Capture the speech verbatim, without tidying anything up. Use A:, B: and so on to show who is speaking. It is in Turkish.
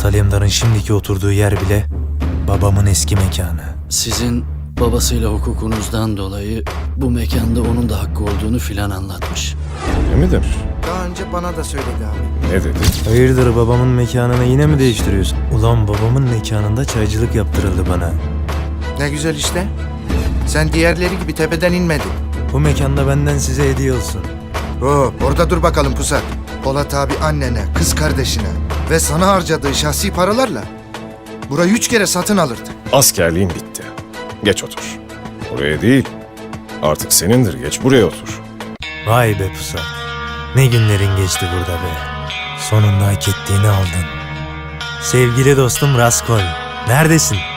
A: Polat Alemdar'ın şimdiki oturduğu yer bile babamın eski mekanı.
B: Sizin babasıyla hukukunuzdan dolayı bu mekanda onun da hakkı olduğunu filan anlatmış.
C: Ne midir?
D: Daha önce bana da söyledi abi.
C: Ne dedi?
A: Hayırdır, babamın mekanını yine mi değiştiriyorsun? Ulan babamın mekanında çaycılık yaptırıldı bana.
D: Ne güzel işte. Sen diğerleri gibi tepeden inmedin.
A: Bu mekanda benden size hediye olsun.
D: Hop, orada dur bakalım Pusat. Polat abi annene, kız kardeşine ve sana harcadığı şahsi paralarla burayı üç kere satın alırdı.
C: Askerliğin bitti. Geç otur. Oraya değil. Artık senindir. Geç buraya otur.
A: Vay be Pusat. Ne günlerin geçti burada be. Sonunda hak ettiğini aldın. Sevgili dostum Raskol. Neredesin?